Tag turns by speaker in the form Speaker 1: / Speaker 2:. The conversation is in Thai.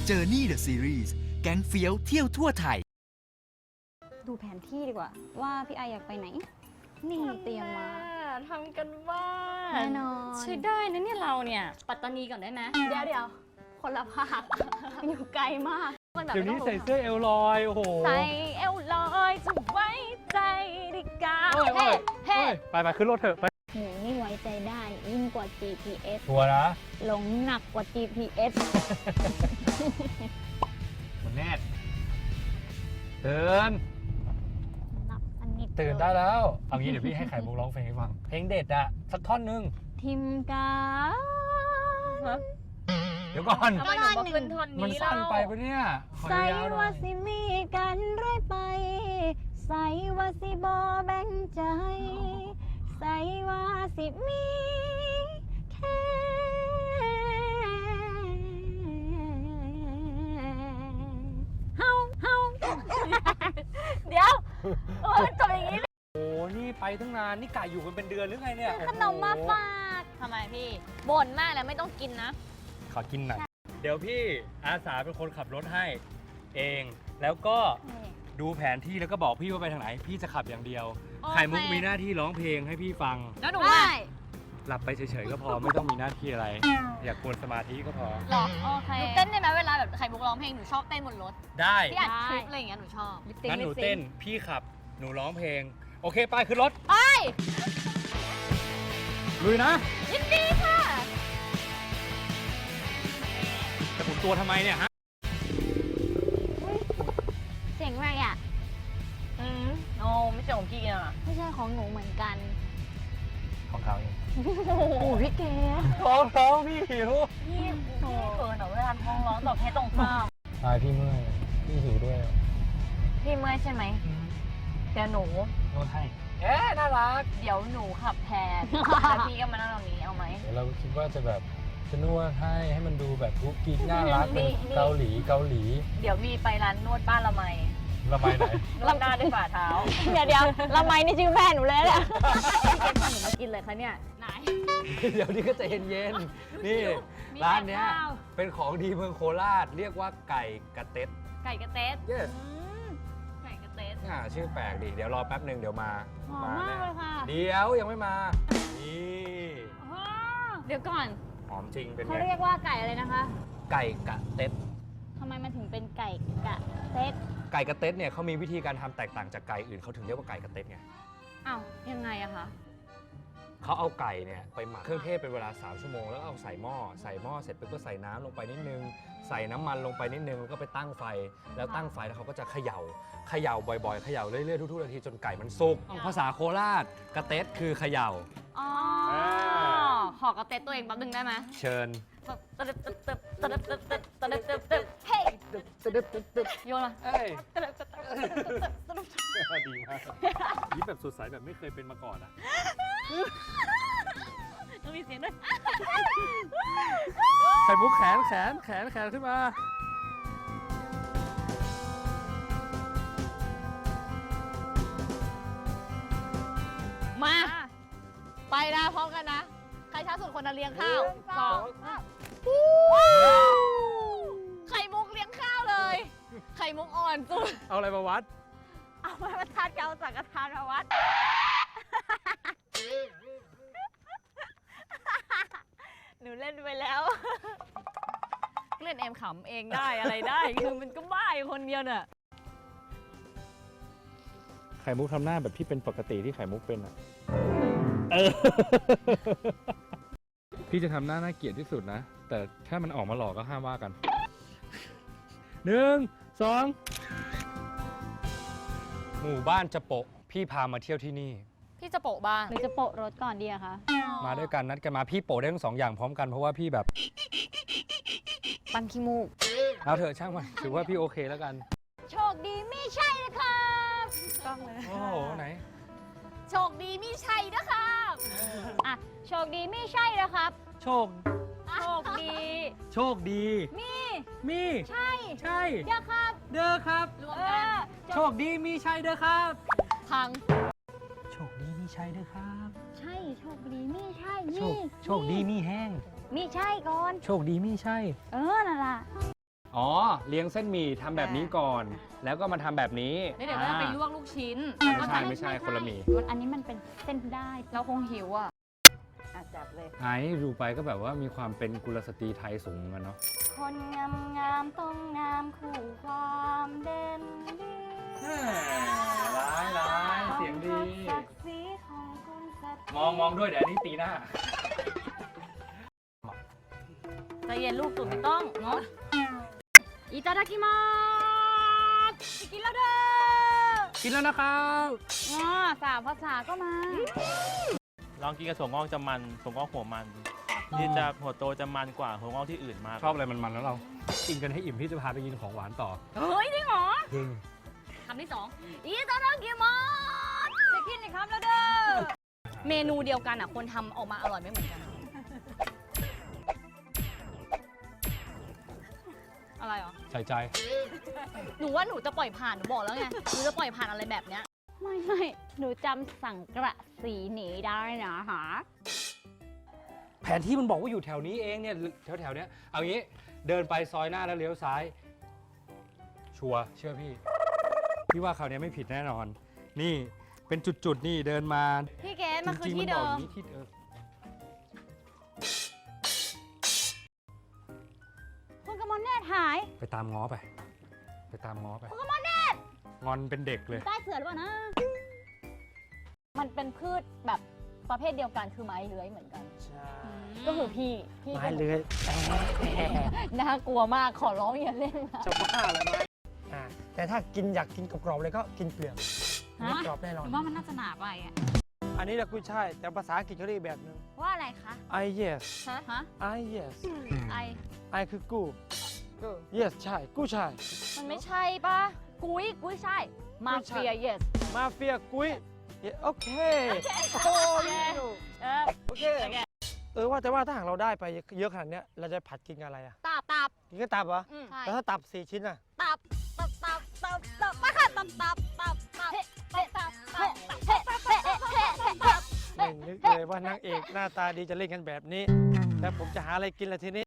Speaker 1: Journey the Series แก๊งเฟี้ยวเที่ยวทั่วไทย
Speaker 2: ดูแผนที่ดีกว่าว่าพี่ไออยากไปไหนนี่เตรียมมา
Speaker 3: ทำกันบ้าน
Speaker 2: แน่นอน
Speaker 3: ใช้ได้นะเนี่ยเราเนี่ยปัตตานีก่อนได้ไหม
Speaker 2: เดี๋ยวคนละภาค อยู่ไกลมาก
Speaker 3: มันแบบ
Speaker 4: เดี๋ยวนี้
Speaker 3: ไม่ต้
Speaker 4: ใส่
Speaker 3: อง
Speaker 4: เสื้อเอลลอยโอ้โห
Speaker 3: ใส่เอวลอยจะไว้ใจดิกา
Speaker 4: เฮ้ย
Speaker 3: เฮ้เฮ้
Speaker 4: ไปขึ้นรถเถอะไป
Speaker 2: หนูนี่ไว้ใจได้ยิ่งกว่า GPS
Speaker 4: ทัวร์นะ
Speaker 2: หลงหนักกว่า GPS
Speaker 4: มันแน่ตื่น
Speaker 2: นับอันนี้
Speaker 4: ตื่นได้แล้วเอางี้เดี๋ยวพี่ให้ไข่มุกร้องเพลงให้ฟังเพลงเด็ดอะสักท่อนหนึง
Speaker 2: ทิมกา
Speaker 4: เดี๋ยวก่อน
Speaker 3: ทำไมหนูมาขึ้นท่อน
Speaker 4: มัน
Speaker 3: นี้
Speaker 4: สั้น
Speaker 3: เล่า
Speaker 4: ไปปะเนี่ยขอ
Speaker 2: ใส่
Speaker 4: ยาวๆหน่
Speaker 2: ว่า
Speaker 4: อย
Speaker 2: สิมีกันเรื่อยไป ใส่ว่าสิบอแบ่งใจ ใส่ว่าสิมีแค่เฮา
Speaker 3: เดี๋ยวโอ้ยจบอย่างนี้
Speaker 4: โอ้นี่ไปตั้งนานนี่ไก่อยู่กันเป็นเดือนหรือไงเนี่ย
Speaker 2: ขนมมาฝาก
Speaker 3: ทำไมพี่บ่นมากแล้วไม่ต้องกินนะ
Speaker 4: ขอกินหน่อยเดี๋ยวพี่อาสาเป็นคนขับรถให้เอง แล้วก็ดูแผนที่แล้วก็บอกพี่ว่าไปทางไหน พี่จะขับอย่างเดียว
Speaker 3: โอเค
Speaker 4: ไข่มุกมีหน้าที่ร้องเพลงให้พี่ฟัง
Speaker 3: แล้วหนู
Speaker 2: ได้
Speaker 3: ว่า
Speaker 4: หลับไปเฉยๆก็พอ ไม่ต้องมีหน้าที่อะไร อยากกวนสมาธิก็พอ
Speaker 3: หรอโอเคหนูเต้นได้ไหมเวลาแบบไข่มุกร้องเพลงหนูชอบเต้นบนรถ
Speaker 4: ได้
Speaker 3: ที่อัดคลิปอะไรอย่างเงี้ยหนูชอบ
Speaker 4: งั้นหนูเต้นพี่ขับหนูร้องเพลง โอเคไปขึ้นรถ
Speaker 3: ไป
Speaker 4: ลุยนะ
Speaker 3: ยินดีค่ะ
Speaker 4: จะหมุนตัวทำไมเนี่ยฮะ
Speaker 2: เสียงอะไรอ่ะ
Speaker 3: โอ้ไม่ใช่ของพี่อ่ะ
Speaker 2: ไม่ใช่ของหนูเหมือนกัน
Speaker 4: ของเขาเอง
Speaker 2: โอ้โหพี่เก๋
Speaker 4: ท้องพี่หิว
Speaker 3: พี่เขินเหรอเวลาท้องร้องตอบเพศตรงข้าม
Speaker 4: ตายพี่เมื่อยพี่หิวด้วย
Speaker 3: พี่เมื่อยใช่ไหมเดี๋ยวหนู
Speaker 4: โน้ตให้เอ๊ะน่ารัก
Speaker 3: เดี๋ยวหนูขับแทน แล้วพี่ก็มานั่งตรงนี้เอาไหม
Speaker 4: เดี๋ยวเราคิดว่าจะแบบจะนวดให้มันดูแบบกุ๊กกิ๊กน่ารัก
Speaker 3: มี
Speaker 4: เป็นเกาหลี
Speaker 3: เดี๋ยวมีไปร้านนวดบ้านละไม
Speaker 4: ระบายไหน
Speaker 3: นวดหน้าด้วยฝ่าเท้า
Speaker 2: เดี๋ยวละไมนี่ชื่อแม่หนูเลยแหละ
Speaker 3: เก็บขนมมากินเลยคะเนี่ยไหน
Speaker 4: เดี๋ยวนี้ก็ใจเย็นๆนี่
Speaker 3: มี
Speaker 4: ร้านเนี้ย
Speaker 3: แต่ข้าว
Speaker 4: เป็นของดีเมืองโคราชเรียกว่าไก่กระเต็ด
Speaker 3: ไก่กระเต๊ด
Speaker 4: yes
Speaker 3: ไก่กระเต๊ด
Speaker 4: ชื่อแปลกดิเดี๋ยวรอแป๊บหนึ่งเดี๋ยวมา
Speaker 2: หอมมากเลยค่ะ
Speaker 4: เดี๋ยวยังไม่มานี่
Speaker 3: เดี๋ยวก่อน
Speaker 4: หอมจริงเป็น
Speaker 2: เขา
Speaker 4: ไง
Speaker 2: เรียกว่าไก่อะไรนะคะ
Speaker 4: ไก่กระเต็ด
Speaker 2: ทำไมมันถึงเป็นไก่กะเซต
Speaker 4: ไก่กระเต็ดเนี่ยเขามีวิธีการทำแตกต่างจากไก่อื่นเขาถึงเรียกว่าไก่กระเต็ดไง
Speaker 3: อ้าวยังไงอะคะ
Speaker 4: เขาเอาไก่เนี่ยไปหมักเครื่องเทศเป็นเวลา3 ชั่วโมงแล้วเอาใส่หม้อเสร็จปุ๊บก็ใส่น้ำลงไปนิดนึงใส่น้ำมันลงไปนิดนึงแล้วก็ไปตั้งไฟแล้วตั้งไฟแล้วเขาก็จะเขย่าบ่อยๆเขย่าเรื่อยๆทุกๆนาทีจนไก่มันสุกภาษาโคราชกระเต็ดคือเขย่า
Speaker 3: อ๋อขอกระเต๊ดตัวเองแป๊บนึงได้ไหม
Speaker 4: เชิญ
Speaker 3: เฮ้ยโยนมา
Speaker 4: เอ้ยดีมากยิ้มแบบสดใสแบบไม่เคยเป็นมาก่อนอ่ะ
Speaker 3: ต้องมีเสียงด้วย
Speaker 4: ไข่มุกแขนขึ้นมา
Speaker 3: มา ไปนะพร้อมกันนะ ใครช้าสุดคนนั้นเลี้ยงข้าวสองไข่มุกเลี้ยงข้าวเลย ไข่มุกอ่อนสุด
Speaker 4: เอาอะไรมาวัด
Speaker 3: เอาไม้บรรทัดเกาสังกทานมาวัด หนูเล่นไปแล้ว เล่นเอ็มขำเองได้อะไรได้ คือมันก็บ้าอยู่คนเดียวน่ะ
Speaker 4: ไข่มุกทำหน้าแบบที่เป็นปกติที่ไข่มุกเป็นอ่ะพี่จะทำหน้าน่าเกลียดที่สุดนะ แต่ถ้ามันออกมาหลอกก็ห้ามว่ากัน 1 2 หมู่บ้านจะโปะพี่พามาเที่ยวที่นี่
Speaker 3: พี่จะโปะบ้าน
Speaker 2: หรือจะโปะรถก่อนดีอะคะ
Speaker 4: มาด้วยกันนัดกันมาพี่โปะได้ทั้ง2 อย่างพร้อมกันเพราะว่าพี่แบบ
Speaker 2: ปันขี้มูก
Speaker 4: เอาเถอะช่างมันถือว่าพี่โอเคแล้วกัน
Speaker 2: โชคดีไม่ใช่นะครับ
Speaker 3: ต้องเลย
Speaker 4: โอ้โหไหน
Speaker 3: โชคดีมีชัยนะครับ
Speaker 2: อ่ะโชคดีไม่ใช่นะครับ
Speaker 4: โชค
Speaker 2: โชคดี
Speaker 4: โชคดี มี
Speaker 2: ใช่
Speaker 4: ใช่
Speaker 2: เดี๋ยวครับ
Speaker 4: เด้อครับ
Speaker 3: รวมกัน
Speaker 4: โชคดีมีชัยเด้อครับ
Speaker 3: พัง
Speaker 4: โชคดีมีชัยเด้อครับ
Speaker 2: ใช่โชคดีไม่ใช่
Speaker 4: โชคดีมีแห้ง
Speaker 2: มีใช่ก่อน
Speaker 4: โชคดีมีชัย
Speaker 2: นั่นล่ะ
Speaker 4: อ๋อเลี้ยงเส้นหมี่ทำแบบนี้ก่อน แล้วก็มาทำแบบนี้
Speaker 3: แล้วเดี๋ยวก็จะไปลวกลูกชิ้น
Speaker 4: ไม่ใช่คนละหมี่
Speaker 2: อันนี้มันเป็นเส้นได้
Speaker 3: เราคงหิวอ่ะ
Speaker 2: จับเลย
Speaker 4: ไอ้ดูไปก็แบบว่ามีความเป็นกุลสตรีไทยสูงเหมือนกันเนาะ
Speaker 2: คนงามงามๆต้องงามคู่ความเด่นดี
Speaker 4: ร้ายเสียงดี
Speaker 2: ศักดิ์ศรีของคนสัตว์
Speaker 4: มองด้วยเดี๋ยวอันนี้ตีหน้า
Speaker 3: ใจเย็นลูกตุ่นไม่ต้องเนาะอิตาดากิมาสกินแล้วเด้อ
Speaker 4: กินแล้วนะครับ
Speaker 3: สามภาษาก็มา
Speaker 5: ลองกินกับถั่วงอกจะมันถั่วงอกหัวมันที่จะหัวโตจะมันกว่าถั่วงอกที่อื่นมาก
Speaker 4: ชอบอะไรมันๆแล้วเรา กินกันให้อิ่มพี่จะพาไปกินของหวานต่อ
Speaker 3: เฮ้ยจริงเหรอ
Speaker 4: จริง
Speaker 3: คำที่สองอิตาดากิมาสกินอีกคำแล้วเด้อ เมนูเดียวกันอ่ะคนทำออกมาอร่อยไม่เหมือนกัน อะไรเหรอ
Speaker 4: ใส่ใจ
Speaker 3: หนูว่าหนูจะปล่อยผ่าน หนูบอกแล้วไง หนูจะปล่อยผ่านอะไรแบบเนี้ย
Speaker 2: ไม่หนูจำสังกระสีหนีได้นะหา
Speaker 4: แผนที่มันบอกว่าอยู่แถวนี้เองเนี่ยแถวๆเนี้ยเอางี้เดินไปซอยหน้าแล้วเลี้ยวซ้าย ชัวร์เชื่อพี่ พี่ว่าคราวนี้ไม่ผิดแน่นอน นี่เป็นจุดๆนี่เดินมา
Speaker 3: พี่เกดมันคือ
Speaker 4: จริงๆ
Speaker 3: ที่
Speaker 4: บ
Speaker 3: เดิ
Speaker 4: อกอ
Speaker 3: ม
Speaker 4: ย่างนี้ที่
Speaker 2: คุณกมลเนตรหาย
Speaker 4: ไปตามง้อไป ไปตามง้อไปงอนเป็นเด็กเลย
Speaker 2: ใต้เสือหรือเปล่านะ มันเป็นพืชแบบประเภทเดียวกันคือไม้เลื้อยเหมือนกัน
Speaker 5: ใช่
Speaker 2: ก็คือพี่
Speaker 5: ไม้เลื้อย
Speaker 2: น่ากลัวมากขอร้องอย่าเล่นนะ
Speaker 6: จะบ้าเลยไหมแต่ถ้ากินอยากกินกรอบๆเลยก็กินเปลือกไม่กรอบแน่น
Speaker 3: ห
Speaker 6: อน
Speaker 3: นูว่ามันน่าจะหนาไปอ่ะ
Speaker 6: อันนี้แหละกุ้ยช่ายแต่ภาษาอังกฤษเขาเรียกแบบนึง
Speaker 3: ว่าอะไรคะ
Speaker 6: I yes
Speaker 3: ฮะ
Speaker 6: I yes
Speaker 3: ไอ
Speaker 6: I คือกู้ yes ใช่กู้ช่าย
Speaker 3: มันไม่ใช่ปะกุ้ยใช่ มาเฟีย yes
Speaker 6: มาเฟียกุ้ย โอเคโอ้ย
Speaker 3: เออ
Speaker 6: โอเคว่าแต่ว่าถ้าหากเราได้ไปเยอะขนาดเนี้ยเราจะผัดกินกับอะไรอ่ะ
Speaker 3: ตับ
Speaker 6: กินกับตับเหรอ
Speaker 3: ใช่
Speaker 6: แล้วถ้าตับ4 ชิ้นอ่ะ
Speaker 3: ตับไปค่ะตับ
Speaker 6: ไม่นึกเลยว่านางเอกหน้าตาดีจะเล่นกันแบบนี้ แล้วผมจะหาอะไรกินละทีนี้